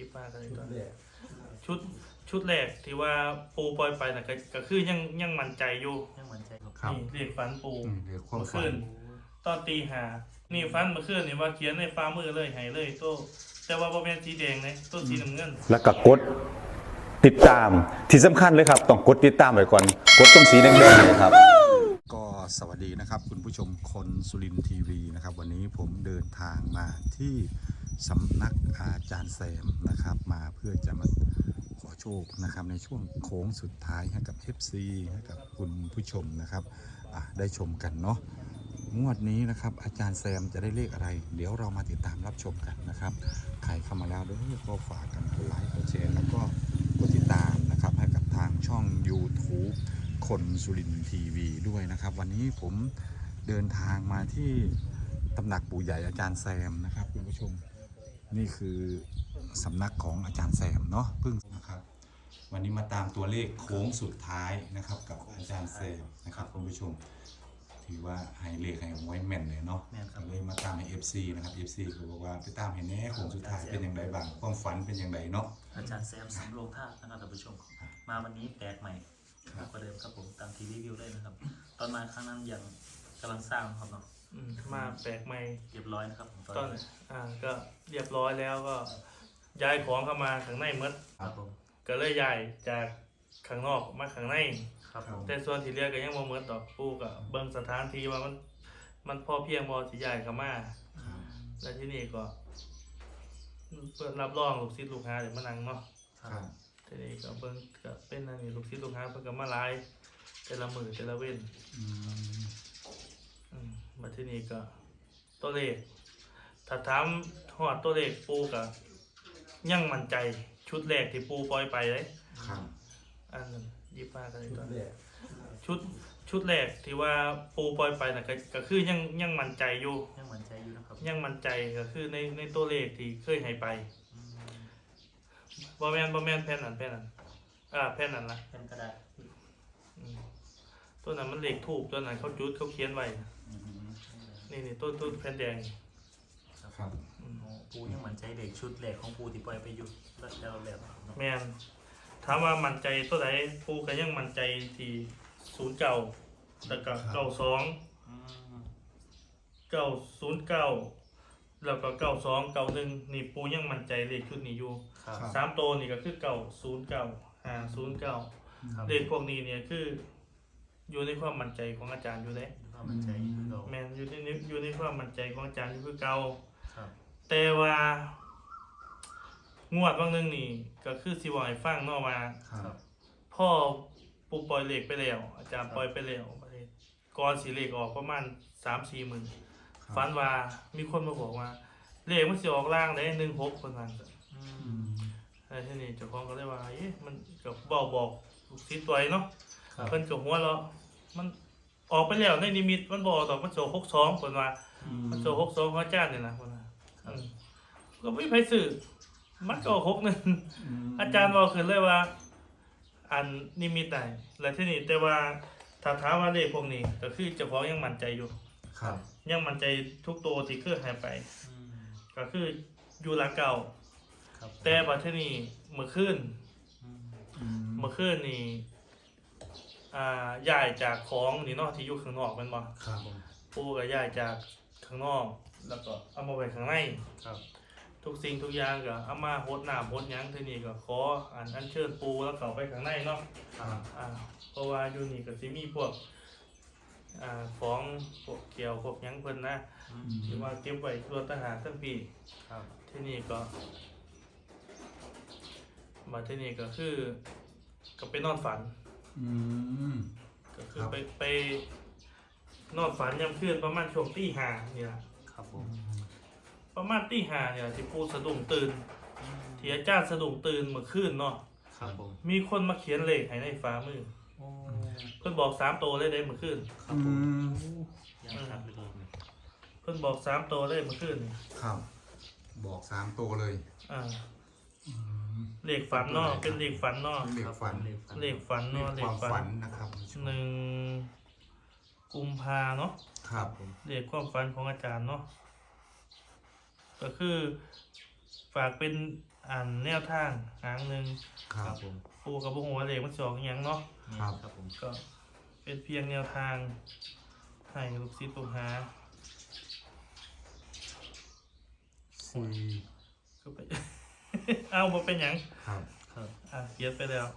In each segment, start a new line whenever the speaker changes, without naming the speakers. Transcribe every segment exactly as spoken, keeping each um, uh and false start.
บมากันเลยตัวชุดชุดแรกที่ว่าปูปล่อยไปน่ะก็คือยังยังมั่นใจอยู่
ยังมั่นใจครับ
นี่เรียกฝันปู
เรียกความฝั
นตอนตีหานี่ฝันเมื่อคืนนี่ว่าเขียนในฟ้ามือเลยให้เลยโตแต่ว่าบ่แม่นสีแดงนะโตสีน้ำเงิน
แล้วก็กดติดตามที่สำคัญเลยครับต้องกดติดตามไว้ก่อนกดตรงสีแดงๆเลยครับ
ก็สวัสดีนะครับคุณผู้ชมคนสุรินทร์ทีวีนะครับวันนี้ผมเดินทางมาที่สำนักอาจารย์แซมนะครับมาเพื่อจะมาขอโชคนะครับในช่วงโค้งสุดท้ายให้กับ เอฟ ซี ให้กับคุณผู้ชมนะครับได้ชมกันเนาะงวดนี้นะครับอาจารย์แซมจะได้เลขอะไรเดี๋ยวเรามาติดตามรับชมกันนะครับใครเข้ามาแล้วด้วยก็ฝากกันกดไลค์กดแชร์แล้วก็กดติดตามนะครับให้กับทางช่อง YouTube คนสุรินทร์ทีวีด้วยนะครับวันนี้ผมเดินทางมาที่ตำหนักปู่ใหญ่อาจารย์แซมนะครับคุณผู้ชมนี่คือสำนักของอาจารย์แซมเนาะเพิ่งนะครับวันนี้มาตามตัวเลขโค้งสุดท้ายนะครับกับอาจารย์แซมนะครับคุณผู้ชมถือว่าให้เลขให้ไว้แม่นเลยเนาะเลยมาตามให้ เอฟ ซี นะครับ เอฟ ซี คือบอกว่าไปตามให้แน่โค้งสุดท้ายเป็นอย่างไรบ้างความฝันเป็นอย่างไรเนาะ
อาจารย์แซมสำโรงท่านะครับท่านผู้ชมมาวันนี้แปลกใหม่กว่าเดิมครับผมตามทีวีวิวเลยนะครับตอนมาครั้งนั้นยังกำลังสร้างครับเนาะ
มาแปลกใหม่
เรียบร้อยนะครับ
ตอนอ่าก็เรียบร้อยแล้วก็ย้ายของเข้ามาข้างในหมด
ครับผม
ก็เลยย้ายจากข้างนอกมาข้างใน
ครับผม
แต่ส่วนที่เหลือก็ยังบ่หมดดอกปูก็เบิ่งสถานที่ว่ามันมันพอเพียงบ่สิย้ายเข้ามาแล้วที่นี่ก็เปิดรับรองลูกศิษย์ลูกหาเดี๋ยวมานั่งเนาะ
ครับ
ทีนี้ก็เบิ่งก็เป็นอันนี้ลูกศิษย์ลูกหาเพิ่นก็มาหลายแต่ละมื้อแต่ละเว้นอืมอืมมาที่นี่ก็ตัวเลขถ้าถามฮอดตัวเลขปูก็ยังมั่นใจชุดแรกที่ปูปล่อยไปเลย
ครับ
อันนั้นยี่สิบห้ากันเลยตัวชุดชุดแรกที่ว่าปูปล่อยไปน่ะก็ก็คือยังยังมั่นใจอยู่
ยังมั่นใจอยู่นะครับ
ยังมั่นใจก็คือในในตัวเลขที่เคยให้ไปบ่แม่นบ่แม่นแผ่นนั้นแผ่นนั้นอ่าแผ่นนั้นล่ะ
แผ่นกระดาษ
ตัวนั้นมันเลขทูบตัวนั้นเขาจุดเขาเขียนไว้นี่นี่ต้นต้นแผ่นแดง
ครับ
ปูยังมั่นใจเด็กชุดแรกของปูที่ปล่อยไปอยู่แล้วแล้ว
แม่นถามว่ามั่นใจตัวไหนปูก็ยังมั่นใจที่ศูนย์เก้าแล้วก็เก้าสองเก้าศูนย์เก้าแล้วก็เก้าสองเก้าหนึ่งนี่ปูยังมั่นใจเลขชุดนี้อยู่สามตัวนี่ก็คือเก้าศูนย์เก้าห้าศูนย์เก้าเลขพวกนี้เนี่ยคืออยู่ในความมั่นใจของอาจารย์อยู่แล้วแม่นอยู่ในอยู่ในความมั่นใจของอาจารย์อยู่คือเก่าแต่ว่างวดบางนึงนี่ก็คือสิว่าให้ฟังเนาะว่าพ่อปูปล่อยเลขไปแล้วอาจารย์ปล่อยไปแล้วก่อนสิเลขออกประมาณ สามสี่หมื่นฝันว่ามีคนมาบอกว่าเลขมันสิออกล่างได้หนึ่งหกเพิ่นว่าอืมไอ้ที่นี่เจ้าของก็เลยว่าเอ๊ะมันก็บอกบอกลูกศิษย์ตัวเนาะเพิ่นก็หัวเราะมันออกไปแล้วในนิมิตมันบ่ดอกมันโซหกสองเพิ่นว่ามันโซหกสองของอาจารย์นี่นะเพิ่นว่าก็ไม่ไผซื้อมันก็หกหนึ่งอาจารย์บอกขึ้นเลยว่าอันนิมิตได้แล้วที่นี่แต่ว่าถ้าถามว่าเลขพวกนี้ก็คือเจ้าของยังมั่นใจอยู่
ครับ
ยังมั่นใจทุกตัวที่เคยหายไปก็คืออยู่หลักเก่าแต่บัดทีนี้เมื่อคืนเมื่อคืนนี่อ่าย้ายจากของนี่เนาะที่อยู่ข้างนอกแม่นบ่
ครับ
ปู่ก็ย้ายจากข้างนอกแล้วก็เอามาไว้ข้างใน
ครับ
ทุกสิ่งทุกอย่างก็เอามาโหดน้ำโหดหยังทีนี้ก็ขออันอัญเชิญปูแล้วเข้าไปข้างในเนาะอ่าเพราะว่าอยู่นี่ก็สิมีพวกอ่าของพวกเกี่ยวพวกหยังเพิ่นนะที่ว่าเก็บไว้ตัวทหารทั้งปี
ครับ
ที่นี่ก็มาที่นี่ก็คือก็ไปนอนฝัน
อืม
ก็คือไปไปนอนฝันยามคืนประมาณช่วงตีห้านี่ล่ะ
ครับผม
ประมาณตีห้าเนี่ยที่ปูสะดุ้งตื่นที่อาจารย์สะดุ้งตื่นเมื่อคืนเนาะ
ครับผม
มีคนมาเขียนเลขให้ในฝ่ามือเพิ่นบอกสามตัวเลยได้เมื่อคืน
ครับผมยังครับ
เพิ่นบอกสามตัวเลยเมื่อคืน
ครับบอกสามตัวเลย
อ่าเลขฝันเนาะเป็นเลขฝันเนาะ
เลขฝัน
เลขฝันเนาะเลข
ฝันนะครับ
หนึ่งกุมภาเนาะ
ครับ
เลขความฝันของอาจารย์เนาะก็คือฝากเป็นอ่านแนวทางหางหนึ่ง
ครั
ครับ บผม
ปูกับบุหัวาเลขมันสองอหย่างเนาะ
ครับ
ครับผม
ก็เป็นเพียงแนวทางให้ลูกศิษย์ลูกหา
สี่
ก็ไป เอาบ่เป็นหยัง
ครับ
ครับ
อ่ะเขียนไปแล้ว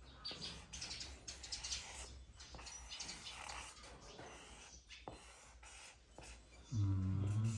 อืม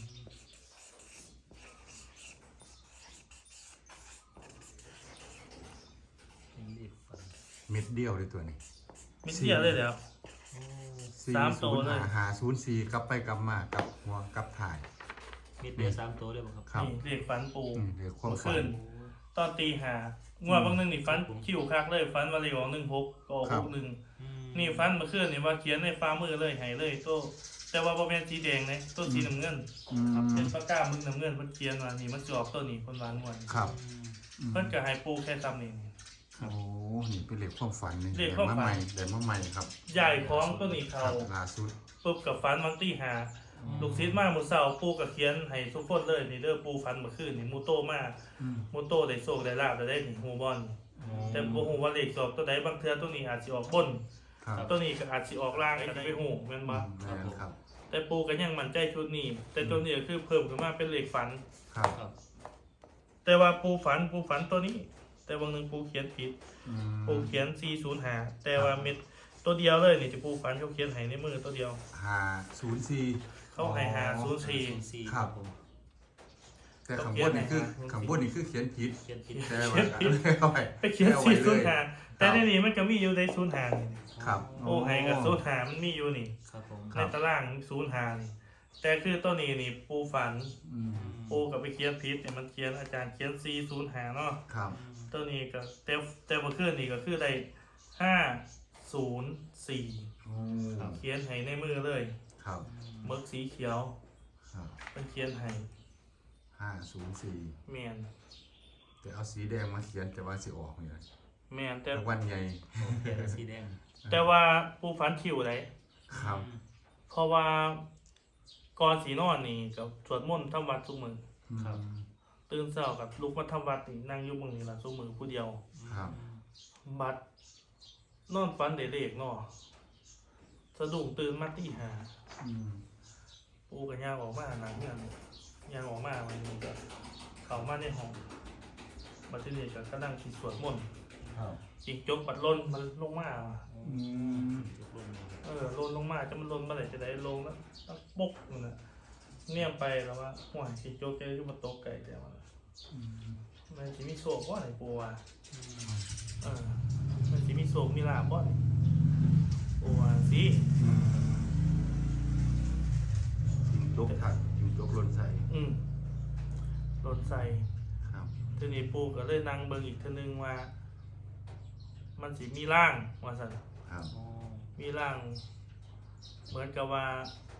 เป็นเลขฝัน
เม็ดเดียวเลยตัวนี้
มิเดียวเลยแล้ว
โอ้
สี่
สามตั
ศู
วน
ย์
เลย
หาหาศูนย์สี่กลับไปกลับมากับหัวกับถ่าย
มีเดียวสามตัวด้วยบ่ครับ
ครับ
นี่เลขฝันปู
อืมเดี๋ยวความ
เมื่อ
ฝั
คื
น
นตอนตีหางวดบางหนึงนี่ฟันคิวคักเลยฟันมาเลยของหนึ่งหกก็ออก
ครั
ห
บ
กหนึ่ง
อืม
นี่ฟันเมื่อคืนนี่ว่าเขียนในฟ้ามือเลยใหายเลยโตแต่ว่าบ่แม่นสีแดงนะโตสีน้ำเงิน
อืม
เป็นปากกามึงน้ำเงินเพิ่นเขียนว่านี่มันสิออกตัวนี้คนหวานงวด
ครับ
อืม
อืม
เพิ่นก็ให้ปูแค่ซ้ำนี่
โอ้นี่เป็นเหล็กความฝันนี่
เลขความฝัน
มาใหม่เดี๋ยวมาใหม่ครับ
ใหญ่ของตัวนี้
ค
เขา
รับล่าสุด
ปุ๊บกับฟันบางตีหาลูกศิษย์มามื้อเช้าปูก็เขียนให้ทุกคนเลยนี่เด้อปูฟันเมื่อคืนนี่มูโตมา
อืม
มูโตได้โชคได้ลาบได้นี่ฮู้บ่นี่แต่บ่ฮู้ว่าเลขสอบตัวใดบางเทื่อตัวนี้อาจสิออกบน
ครับ
ตัวนี้ก็อาจสิออกล่างก็ได้ไปฮู้แม่นบ่
อืมแม่นครับ
แต่ปูก็ยังมั่นใจชุดนี้ แต่ตัวนี้ก็คือเพิ่มขึ้นมาเป็นเลขฝัน
ครับ
ครับ
แต่ว่าปูฝันปูฝันตัวนี้ แต่บางหนึงปูเขียนผิด
อืม
ปูเขียนสี่ศูนย์ห้าแต่ว่าเม็ดตัวเดียวเลยนี่ที่ปูฝันเขาเขียนให้ในมือตัวเดียว
หาศูนย์สี่
เขาให้หาศูนย์สี่
ศูนย์สี่
ครับ
ผม
แต่ข้างบนนี่คือ
เขาเขียนให้หา
ข้างบนนี่คือเขียนผิด
เขียนผิด
แต่ว่าเอาไว้
ไปเขียน
อาไว้
สี่
เล
ศูนย์
ย
ห้าแต่ในนี้มันก็มีอยู่ในศูนย์ห้านี่
ครับ
ปูให้กับศูนย์ห้ามันมีอยู่นี่
ครับผม
ค
ใน
รับ
ตารางศูนย์ห้านี่แต่คือตัวนี้นี่ปูฝัน
อืม
ปูกับไปเขียนผิดเนี่ยมันเขียนอาจารย์เขียนสี่ศูนย์ห้าเนาะ
ครับ
ตัวนี้ก็แต่แต่เมื่อคืนนี่ก็คือได้ห้าศูนย์สี่
โอ้
เขียนให้ในมือเลย
ครับ
เมึกสีเขียว
ครับ
เป็นเขียนให้
ห้าศูนย์สี่
แมน
แต่เอาสีแดงมาเขียนแต่ว่าสีออกเนี่ย
แมนแต่
รางวัลใหญ่
เขียนเป็นสีแดง
แต่ว่าปูฟันคิวไร
ครับ
เพราะว่าก่อนสีนอนนี่กับสวดมนต์ทำวัดทุกมือ
อืม
ตื่นเช้ากับลุกมาทำวัดนี่นั่งอยู่มือนี่ละทุกมือผู้เดียว
ครับ
บัดนอนฟันเด็กๆเนาะสะดุ้งตื่นมาตีหา
อืม
ปูกับย่างออกมาหนังเงินย่างออกมาวันนี้ก็เข้ามาในห้องบัดทีนี้ก็กำลังคิดสวดมนต์
ครับ
จิงจกปัดลนมันลงมาว่ะ
อืม
จุกลงเลย
เออลนลงมาจะมันลนเมื่อไหร่จะได้ลงแล้วแล้วปกมันนะเนี่ยไปแล้วว่าหัวจิงจกจะขึ้นมาตกไก่แต่ว่า
อืม
มันจะมีโศกบ่ไหนปูว่ะเออมันจะมีโศกมีลาบบ่นี่ปูว่าสิ
อืมยิงจกถักยิงจกหล่นใส่
อืมลนใส่
ครับ
ทีนี้ปูก็เลยนั่งเบิ่งอีกทีนึงว่า มันสิมีร่างว่าสั่น
ครับ
อ๋อ
มีร่าง เหมือนกับว่า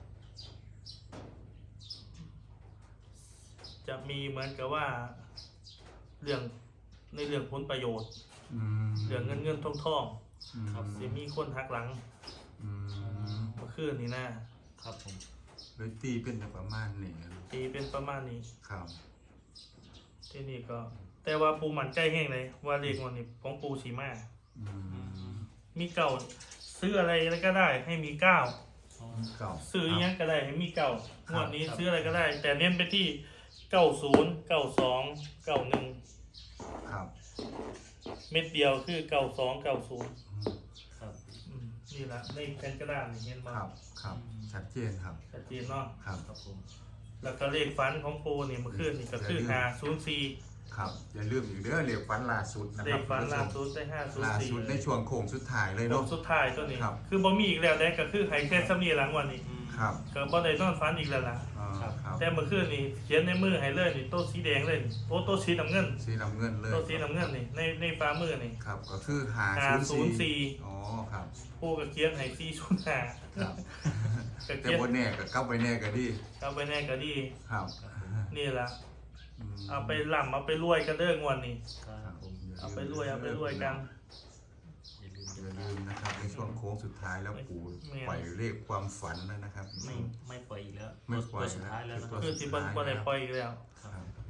จะมีเหมือนกับว่า เรื่องในเรื่องผลประโยชน์
อืม
เรื่องเงินเงินทองทอง
อืม
สิมีคนหักหลัง
อืม
เมื่อคืนนี้นะครับ
ผม
เลยตีเป็นประมาณนี้
ตีเป็นประมาณนี้
ครับ
ที่นี่ก็ แต่ว่าปูมั่นใจแห้งเลยว่าเลขวันนี้ของปูสีมา
อืม
มีเก่าซื้ออะไรก็ได้ ให้มีเก้า
อ๋อ
เก่า
ซื้ออยังก็ได้ให้มีเก่า
ครับ
งวดนี้
ครับ
ซื้ออะไรก็ได้ แต่เน้นไปที่เก้าศูนย์เก้าสองเก้าหนึ่ง
ครับ
เม็ดเดียวคือเก้าสองเก้าศูนย์
อืม
ครับ
นี่แหละในแผ่นกระดาษนี่เห็นมา
ครับครับชัดเจนครับ
ชัดเจนเนาะ
ครับ
ครับผม
แล้วก็เลขฟันของปูนี่เมื่อคืนนี่ก็คือหาศูนย์สี่
ครับอย่าลืมอีกเด้อเหล็กฟันล่าสุดนะ
เล
ครับ
ขฟัน
คุณ
ล่า
ผู้ช
สุ
ม
ดได้ห้าศูนย์
ล่า
สี่
สุดในช่วงโค้งสุดท้ายเลย
ล
เนาะ
งสุดท้ายตัวนี้
ครับ
คือบ่มีอีกแล้วได้ก็คือให้แค่สำนีหลังวันนี้
อืม
ครับ
ก็บ่ได้นอนฟันอีกแล้วล่ะ
อ่า
ครับ
ครับ
แต่เมื่อคืนนี่เขียนในมือให้เลยนี่โต๊ะสีแดงเลยนี่โอ้โต๊ะสีน้ำเงิน
สีน้ำเงินเลย
โต๊ะสีน้ำเงินนี่ในในฟ้ามือนี่
ครับ ก็คือหา
หา
ศูนย์สี่
ศูนย์สี่
อ๋อครับ
ปูก็เขียนให้สี่ศูนย์ห้า
ครับ
ก็
แต่
เขียน
บนแน่ก็กลับไปแน่ก็ดี
เอาไปแน่ก็ดี
ครับ
นี่ล่ะ
ม
เอาไปล่ำเอาไปรวยกันเด้องวดนี้
ครับผม
เอาไปรวยเอาไปรวยกัน
อย่าลืม
อย่าลืมนะครับในช่วงโค้งสุดท้ายแล้วปู่
ไม่
ปล่อยเลขความฝันแล้วนะครับ
ไม่ไม่ปล่อยอีกแล้ว
ไม่ปล่อย
ตัวสุดท้ายแล้วนะค
ตั
รับ
ว
คือสิบ่บ่ได้ปล่อยอีกแล้ว
ครับ
ครับ
ก็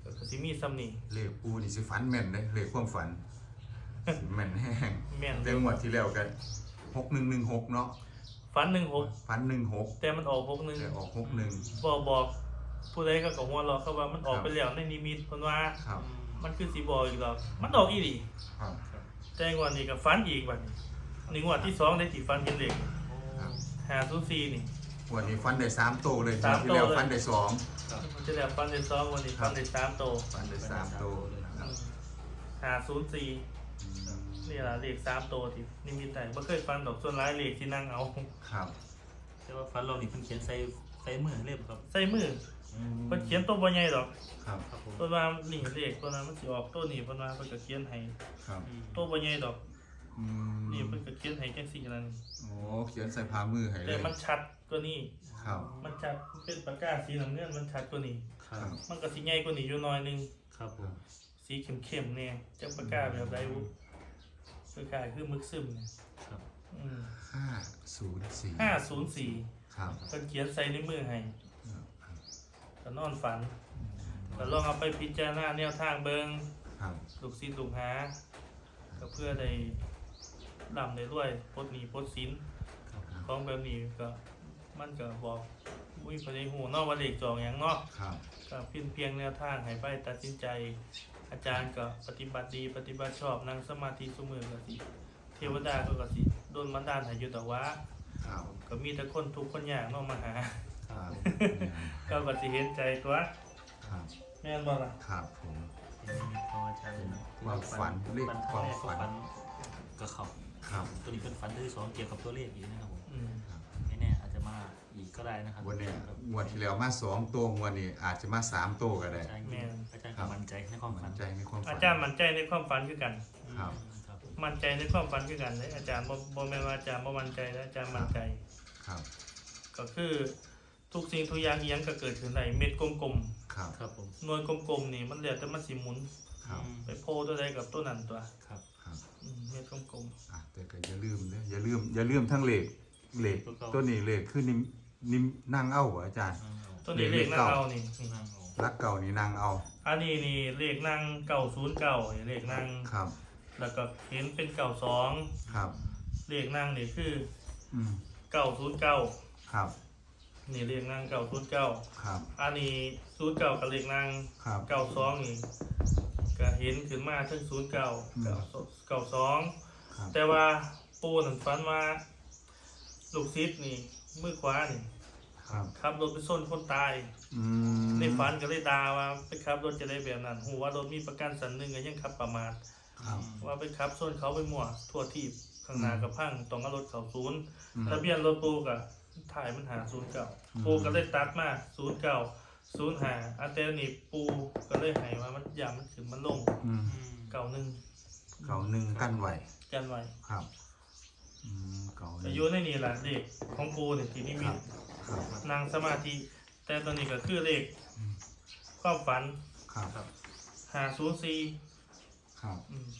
ก็สิมีซ้ำนี่
เลขปูนี่สิฝันแม่นเด้เลขความฝันสิแม่นแห้ง
แม่น
แต่งวดที่แล้วกันหกหนึ่งหนึ่งหกเนาะ
ฝันหนึ่งหก
ฝันหนึ่งหก
แต่มันออกหกหนึ่ง
แต่ออกหกหนึ่ง
บอกบอกผู้ใดก็กหัวเราะเขาว่ามันออกไปแล้วในนิมิตเพิ่นว่า
ครับ
มันคือสิบอกอีกหรอกมันออกอีหลี
ครับ
แต่งวดนี้ก็ฝันอีกบัดนี้นี่งวดที่สองได้ที่ฝันเห็นเลข
ครับ
ห้าศูนย์สี่นี่
วันนี้ฟันได้สามโตเลย
สาม
ที่แล้ว
โตเลย
ฟันได้สอง
มันจะแล้วฝันได้สองวันนี้ฝันได้สามโต
ฟันได้สามโตนะครับ
ห้าศูนย์สี่นี่ล่ะเลขสามโตที่นิมิตได้บ่เคยฝันดอกส่วนหลายเลขที่นั่งเอา
ครับ
แต่ว่าฟันเรานี่เพิ่นเขียนใส่ใส่มือเล่มครับ
ใส่มือเพิ่นเขียนตัวบ่ใหญ่ดอก
ครับ
ครับผม
เพิ่นว่านี่เลขตัวนั้นมันสิออกตัวนี้เพิ่นว่าเพิ่นก็เขียนให้
ครับ
ตัวบ่ใหญ่ดอก
อืม
นี่เพิ่นก็เขียนให้จังซี่นั่น
โอ้เขียนใส่พามือให้เล
แต่
ย
มันชัดกว่านี้
ครับ
มันชัดมันเป็นปากกาสีน้ำเงินมันชัดกว่านี้
ครั
ครับ บ
มันก็สิใหญ่กว่านี้อยู่หน่อยนึง
ครับผม
สีเข้มๆเนี่ยจักปากกาแบบใดวุปากกาคือมึกซึมเนี่ย
ครับ
อืม
ห้าศูนย์สี่
ห้าศูนย์สี่
ครับ
เพิ่นเขียนใส่ในมือให้
ครับ
ก็นอนฝันก็ลองเอาไปพิจารณาแนวทางเบิ่ง
ครับ
ลูกศิษย์ลูกหาก็เพื่อได้ร่ำได้รวยปลดหนี้ปลดสิน
ครับ
ของแบบนี้ก็มันก็บอกมุ้ยพอได้หูเนาะว่าเลขจองหยังเนาะ
ครับ
ก็เพียงเพียงแนวทางให้ไปตัดสินใจ อาจารย์ก็ปฏิบัติดีปฏิบัติชอบนั่งสมาธิสมือก็สิเทวดาก็ก็สิโดนบันดาลให้อยู่แต่ว่า
ครับ
ก็มีแต่คนทุกข์คนยากเนาะมาหา
ครับ
ก็ก็สิเห็นใจตัว
ครับ
แม่นบ่ล่ะ
ครับผม
เป็นนิมิตของอาจารย์เลยนะ
ความฝันเลข
ฝัน
ความฝัน
ฝันก็เขา
ครับ
ตัวนี้เป็นฝันที่สองเกี่ยวกับตัวเลขอีกนะครับผม
อืม
ไม่แน่อาจจะมาอีกก็ได้นะครับ
วันเนี้ย
ครับ
งวดที่แล้วมาสองตัวงวันนี้อาจจะมาสามตัวก็ได้
อาจารย์อาจารย์ก็มั่นใจในความฝั
มั่
น
นใจในความฝัน
อาจารย์มั่นใจในความฝันคือกัน
ครับ
ครับผม
มั่นใจในความฝันคือกันเลยอาจารย์บ่บ่แม่นว่าอาจารย์บ่มั่นใจนะอาจารย์มั่นใจ
ครับ
ก็คือทุกสิ่งทุกอย่างอีหยังก็เกิดขึ้นได้เม็ดกลม
ครับ
ครับผม
ๆหน่วยกลมๆนี่มันแล้วแต่มันสิหมุน
ครับ
ไปโพตัวใดกับตัวนั้นตัว
ครับ
ครับ
อืมเม็ดกลม
อ่ะแต่ก็อย่าลืมเด้ออย่าลืมอย่าลืมทั้งเหล็กเหล็กตัวนี้เหล็กคือนิมนิมนั่งเอาเหรออาจารย์
ๆตัวนี้เลขนั่งเอานี่นี่
นั่งเอา
รักเก่านี่นั่งเอา
อันนี้นี่เลขนั่งเก้าศูนย์เก้าเลขนั่ง
ครับ
แล้วก็เห็นเป็นเก้าสอง
ครับ
เลขนั่งนี่คือ
อืม
เก้าศูนย์เก้า
ครับ
นี่เลขนั่งเก้าศูนย์เก้า
ครับ
อันนี้ศูนย์เก้ากับเลขนั่ง
ครับ
เก้าสองนี่ก็เห็นขึ้นมาถึงศูนย์เก้า
อืม
เก้าสอง
ครับ
แต่ว่าปูนั่นฝันว่าลูกซิดนี่มือขวานี่
ครับ
ขับรถไปส้นคนตาย
อืม
ในฝันก็เลยด่าว่าไปขับรถจะได้แบบนั้นหูว่ารถมีประกันสันหนึ่งก็ยังขับประมาท
ครับ
ว่าไปขับส้นเขาไปมั่วทั่วทีบข้างหน้ากับพังต้องเอารถเขาศูนย์
อืม
ทะเบียนรถปูกะถ่ายมันหาศูนย์เก่า
อืม
ปูก็เลยตัดมาศูนย์เก่าศูนย์หาอันแต่นี่ปูก็เลยให้ว่ามันยามมันขึ้นมันลง
อืม
เก่าหนึ่ง
เก่าหนึ่งกั้นไหว
กันไว้
ครับอืมเก่าห
อา
นึ่ง
ยุในนี่แหละเด็กของปูเนี่ยที่นี่
ค
มี
รับครับ
นางสมาธิแต่ตอนนี้ก็คือเลข
อืม
ความฝัน
ครับ
ครับ
หาศูนย์สี่
ครับ
อืม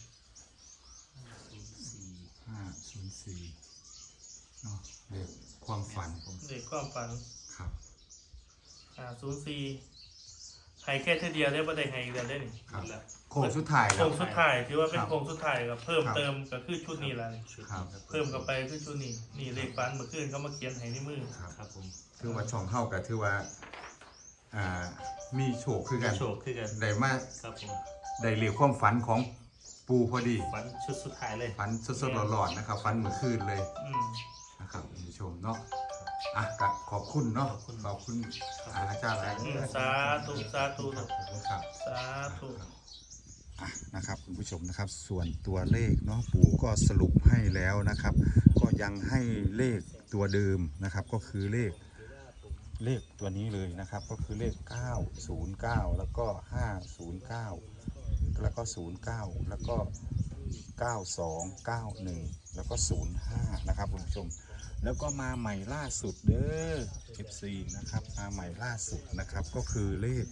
สี่
ห้าศูนย์สี่เนาะเลขความฝัน
เลขความฝัน
ครับ
หาศูนย์สี่ให้แค่เท่าเดียวได้บ่ได้ให้อีกแล้วได้นี่
ครับ
แล้ว
โค้งสุดท้าย
โค
แล้
ร
ว
งสุดท้ายถือว่าเป็น
ครับ
โครงสุดท้ายก็เพิ่ม
ครับ
เติมก็คือชุดนี้แหละนี่
ชุด
ครับ
นี้
เพิ่มเข้าไปคือชุดนี้นี่เลขฝันเมื่อคืนเขามาเขียนให้ในมือ
ครับ
ครับผม
ถือว่าช่องเข้ากับถือว่าอ่ามีโชคคือกัน
โชคคือกัน
ได้มา
ครับผม
ได้เรียกความฝันของปูพอดี
ฝันชุดสุดท้ายเลย
ฝันสดๆร้อนๆนะครับฝันเมื่อคืนเลย
อืม
นะครับคุณผู้ชมเนาะอ่ะก็ขอบคุณเนาะขอบคุณอาจารย์หลาย
อืมสาธุสาธุ
ครับขอบคุณครับ
สาธุ
อ่ะนะครับคุณผู้ชมนะครับส่วนตัวเลขเนาะปู่ก็สรุปให้แล้วนะครับ ก็ยังให้เลขตัวเดิมนะครับ ก็คือเลขเลขตัวนี้เลยนะครับ ก็คือเลขเก้าศูนย์เก้าแล้วก็ห้าศูนย์เก้าแล้วก็ศูนย์เก้าแล้วก็เก้าสองเก้าหนึ่งแล้วก็ศูนย์ห้านะครับคุณผู้ชม แล้วก็มาใหม่ล่าสุดเด้อ เอฟ ซี นะครับมาใหม่ล่าสุดนะครับก็คือเลข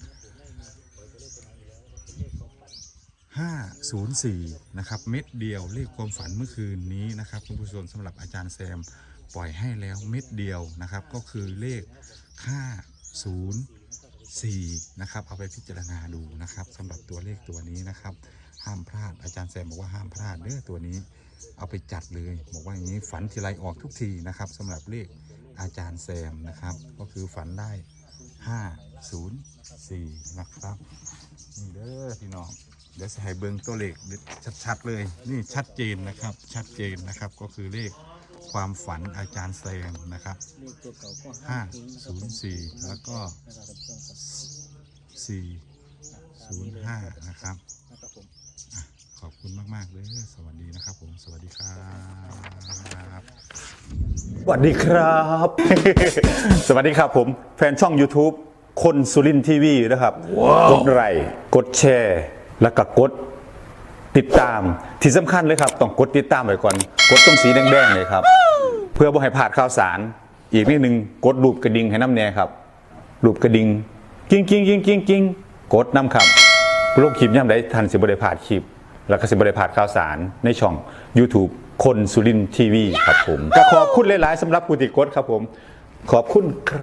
ห้าศูนย์สี่นะครับเม็ดเดียวเลขความฝันเมื่อคืนนี้นะครับคุณผู้ชมสำหรับอาจารย์แซมปล่อยให้แล้วเม็ดเดียวนะครับก็คือเลขห้าศูนย์สี่นะครับเอาไปพิจารณาดูนะครับสำหรับตัวเลขตัวนี้นะครับห้ามพลาดอาจารย์แซมบอกว่าห้ามพลาดเด้อตัวนี้เอาไปจัดเลยบอกว่าอย่างนี้ฝันทีไรออกทุกทีนะครับสำหรับเลขอาจารย์แซมนะครับก็คือฝันได้ห้าศูนย์สี่นะครับนี่เด้อพี่น้องเดี๋ยวจะให้เบิ้งตัวเลขชัดๆเลยนี่ชัดเจนนะครับชัดเจนนะครับก็คือเลขความฝันอาจารย์แซมนะครับห้าศูนย์สี่แล้วก็สี่ศูนย์ห้านะครับอ่ะขอบคุณมากๆเลยสวัสดีนะครับผมสวัสดีครับ
สวัสดีครับ สวัสดีครับผมแฟนช่อง YouTube คนสุรินทร์ทีวีนะครับ กดไลค์กดแชร์แล้วก็กดติดตามที่สำคัญเลยครับต้องกดติดตามไว้ก่อนกดตรงสีแดงๆเลยครับเพื่อบ่ให้พลาดข่าวสารอีกนิดนึงกดรูปกระดิ่งให้น้ำแน่ครับรูปกระดิ่งกิ้งกิ้งกิ้งกิ้งกิ้งกดน้ำครับโลกคลิปย่ำได้ทันสิบได้พลาดคลิปแล้วก็สิบได้พลาดข่าวสารในช่อง YouTube คนสุรินทร์ทีวีครับผมก็ขอบคุณหลายๆสำหรับผู้ติดกดครับผมขอบคุณครับ